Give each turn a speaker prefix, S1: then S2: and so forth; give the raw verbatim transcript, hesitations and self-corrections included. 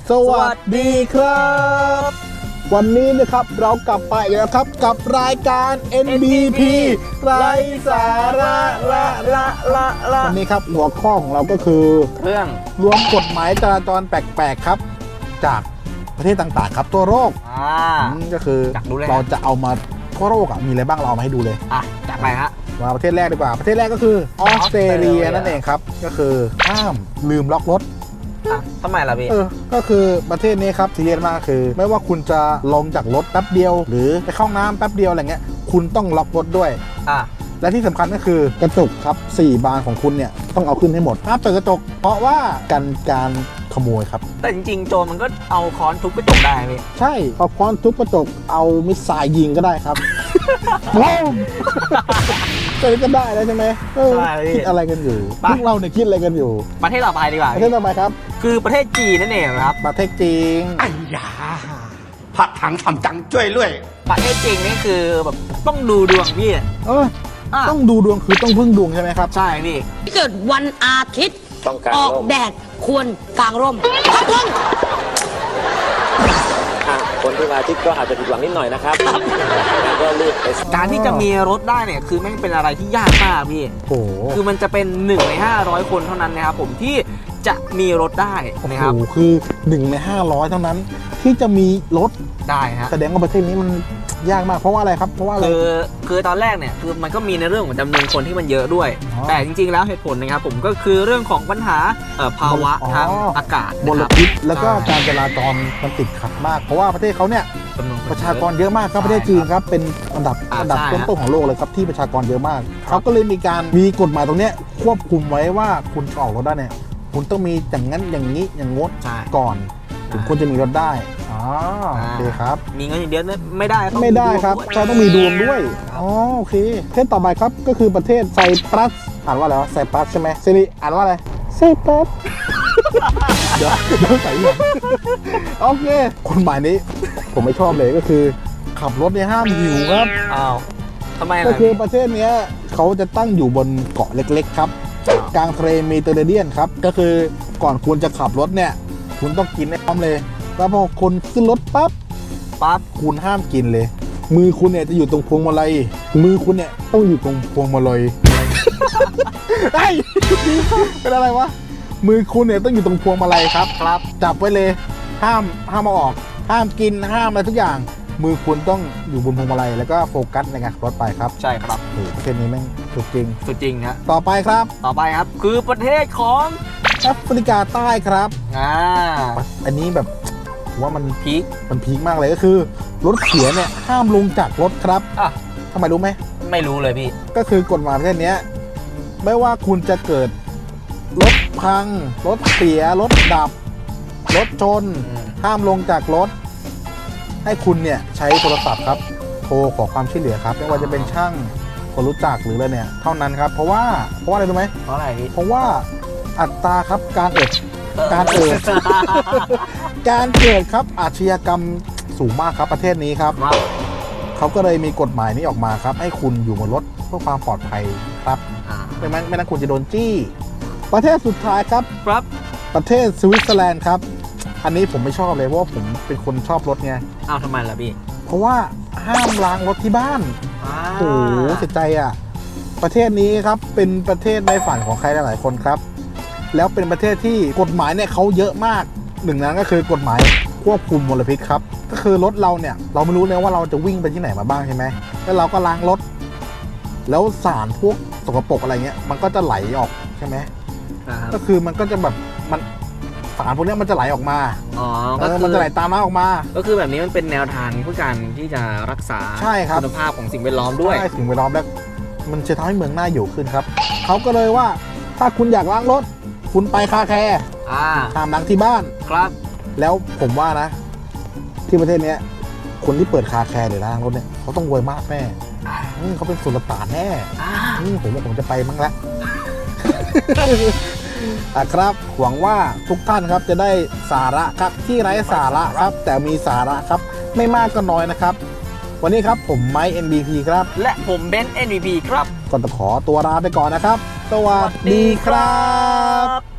S1: สวัสดีครับวันนี้นะครับเรากลับไปแล้วครับกับรายการ เอ็น บี พี ไร้สาระละละละละวันนี้ครับหัวข้อของเราก็คือ
S2: เรื่อง
S1: รวมกฎหมายจราจรแปลกๆครับจากประเทศต่างๆครับทั่วโลก
S2: อ่า
S1: ก็คือเราจะเอามาทั่วโลกอ่ะมีอะไรบ้างเราเอามาให้ดูเลย
S2: อ่ะจัดไปฮะ
S1: มาประเทศแรกดีกว่าประเทศแรกก็คือออสเตรเลียนั่นเองครับก็คือห้ามลืมล็อกรถ
S2: อ่ะทำไมล่ะพี่
S1: เออก็คือประเทศนี้ครับซีเรียสมากคือไม่ว่าคุณจะลงจากรถแป๊บเดียวหรือไปเข้าน้ำแป๊บเดียวอะไรเงี้ยคุณต้องล็อกรถด้วย
S2: อ่ะ
S1: และที่สำคัญก็คือกระจกครับสี่บานของคุณเนี่ยต้องเอาขึ้นให้หมดห้ามเปิดกระจกเพราะว่ากันการขโมยครับ
S2: แต่จริงๆโจรมันก็เอาค้อนทุบกระจกได้พี่
S1: ใช่เอาค้อนทุบกระจกเอามิสไซล์ยิงก็ได้ครับว้าวจะก็ได้แล้วใช่ไหมคิดอะไรกันอยู่พวกเราเนี่ยคิดอะไรกันอยู่
S2: ประเทศต่อไปดีกว่า
S1: ประเทศต่อไปครับ
S2: คือประเทศจีนนั่นเองครับ
S1: ประเทศจีน
S3: ไอ้ยาผัดถังทำจังจ้วยด้วย
S2: ประเทศจีนนี่คือแบบต้องดูดวงพี่
S1: เออต้องดูดวงคือต้องพึ่งดวงใช่ไหมครับ
S2: ใช่พี่
S4: เกิดวันอาทิตย์ออกแดดควรกางร่มครับผม
S5: คนที่มาอาทิตย์ก็อาจจะผิดหวังนิดหน่อยนะครับก็รีบไป
S2: การที่จะมีรถได้เนี่ยคือแม่งเป็นอะไรที่ยากมากพี่
S1: โอ้
S2: คือมันจะเป็นหนึ่งในห้าร้อยคนเท่านั้นนะครับผมที่จะมีรถได้นะครับ
S1: โอ้คือหนึ่งในห้าร้อยเท่านั้นที่จะมีรถ
S2: ได้ฮะ
S1: แสดงว่าประเทศนี้มันยากมากเพราะว่าอะไรครับเพราะว่าอะไร
S2: คือคือตอนแรกเนี่ยคือมันก็มีในเรื่องของจำนวนคนที่มันเยอะด้วยแต่จริงๆแล้วเหตุผลนะครับผมก็คือเรื่องของปัญหาภาวะทางอากาศ
S1: มลพิษแล้วก็การจราจรมันติดขัดมากเพราะว่าประเทศเขาเนี่ยประชากรเยอะมากครับประเทศจีนครับเป็นอันดับอันดับต้นๆของโลกเลยครับที่ประชากรเยอะมากเขาก็เลยมีการมีกฎหมายตรงนี้ควบคุมไว้ว่าคุณจะออกรถได้เนี่ยคุณต้องมีอย่างนั้นอย่างนี้อย่างงดก่อนถึงคุณจะมีรถได้อ๋อโอเคครับ
S2: มีเงินอย่างเดียวไม่ได้
S1: ไม่ได้ครับใช่ต้องมีดวงด้วยอ๋อโอเคประเทศต่อไปครับก็คือประเทศไซปรัสอ่านว่าอะไรวะไซปรัสใช่ไหมซิริอ่านว่าอะไรไซปรัสเดี๋ยวเดี๋ยวใส่ยังโอเคกฎหมายนี้ผมไม่ชอบเลยก็คือขับรถเนี่ยห้ามหิวครับ
S2: อ้าวทำไม
S1: ก็คือประเทศนี้เขาจะตั้งอยู่บนเกาะเล็กๆครับกลางทะเลเมดิเตอร์เรเนียนครับก็คือก่อนคุณจะขับรถเนี่ยคุณต้องกินให้พร้อมเลยแล้วพอคนขึ้นรถปั๊บ
S2: ปั๊บ
S1: คุณห้ามกินเลยมือคุณเนี่ยจะอยู่ตรงพวงมาลัยมือคุณเนี่ยต้องอยู่ตรงพวงมาลัยไอ้เป็นอะไรวะมือคุณเนี่ยต้องอยู่ตรงพวงมาลัยครับครับจับไว้เลยห้ามห้ามเอาออกห้ามกินห้ามอะไรทุกอย่างมือคุณต้องอยู่บนพวงมาลัยแล้วก็โฟกัสในการขับรถไปครับ
S2: ใช่ครับ
S1: โอ้ประเทศนี้แม่งสุดจริง
S2: สุดจริงฮะ
S1: ต่อไปครับ
S2: ต่อไปครับคือประเทศของ
S1: แอฟริกาใต้ครับ
S2: อ่า
S1: อันนี้แบบว่ามัน
S2: พีค
S1: มันพีคมากเลยก็คือรถเสียเนี่ยห้ามลงจากรถครับ
S2: อ่ะ
S1: ทำไมรู้ไหม
S2: ไม่รู้เลยพี่
S1: ก็คือกฎหมายประเทศนี้ไม่ว่าคุณจะเกิดรถพังรถเสียรถดับรถชนห้ามลงจากรถให้คุณเนี่ยใช้โทรศัพท์ครับโทรขอความช่วยเหลือครับไม่ว่าจะเป็นช่างคนรู้จักหรืออะไรเนี่ยเท่านั้นครับเพราะว่าเพราะว่าอะไรรู้ไหม
S2: เพราะอะไร
S1: เพราะว่าอัตราครับการเอิดการเอิดการเกิดครับอาชญากรรมสูงมากครับประเทศนี้ครับเขาก็เลยมีกฎหมายนี้ออกมาครับให้คุณอยู่บนรถเพื่อความปลอดภัยครับไม่งั้นไม่งั้นคุณจะโดนจี้ประเทศสุดท้ายครับ
S2: ครับ
S1: ประเทศสวิตเซอร์แลนด์ครับอันนี้ผมไม่ชอบเลยเพราะว่าผมเป็นคนชอบรถไง
S2: อ้าวทำไมล่ะพี่
S1: เพราะว่าห้ามล้างรถที่บ้านโอ้โหเสียใจอ่ะประเทศนี้ครับเป็นประเทศในฝันของใครหลายๆคนครับแล้วเป็นประเทศที่กฎหมายเนี่ยเขาเยอะมากหนึ่งนั้นก็คือกฎหมายควบคุมมลพิษครับก็คือรถเราเนี่ยเราไม่รู้เลยว่าเราจะวิ่งไปที่ไหนมาบ้างใช่ไหมแล้วเราก็ล้างรถแล้วสารพวกสกปรกอะไรเงี้ยมันก็จะไหลออกใช่ไหมก็คือมันก็จะแบบมันสารพวกนี้มันจะไหลออกมา
S2: อ๋อ
S1: ก็คือมันจะไหลตามน้ำออกมา
S2: ก็คือแบบนี้มันเป็นแนวทางเพื่อการที่จะรักษาคุณภาพของสิ่งแวดล้อมด้วย
S1: ใช่สิ่งแวดล้อมแล้วมันจะทำให้เมืองน่าอยู่ขึ้นครับเขาก็เลยว่าถ้าคุณอยากล้างรถคุณไปคาแคร์ห้ามล้างที่บ้าน
S2: ครับ
S1: แล้วผมว่านะที่ประเทศนี้คนที่เปิดคาแคร์หรือล้างรถเนี่ยเขาต้องรวยมากแน่เขาเป็นสุลต่านแน่ผมว่าผมจะไปมั้งละอ่ะครับหวังว่าทุกท่านครับจะได้สาระครับที่ไร้สาระครับแต่มีสาระครับไม่มากก็น้อยนะครับวันนี้ครับผมไมค์ เอ็น บี พี ครับ
S2: และผมเบนซ์ เอ็น บี พี ครับ
S1: ก่อนจะขอตัวลาไปก่อนนะครับสวัสดีครับ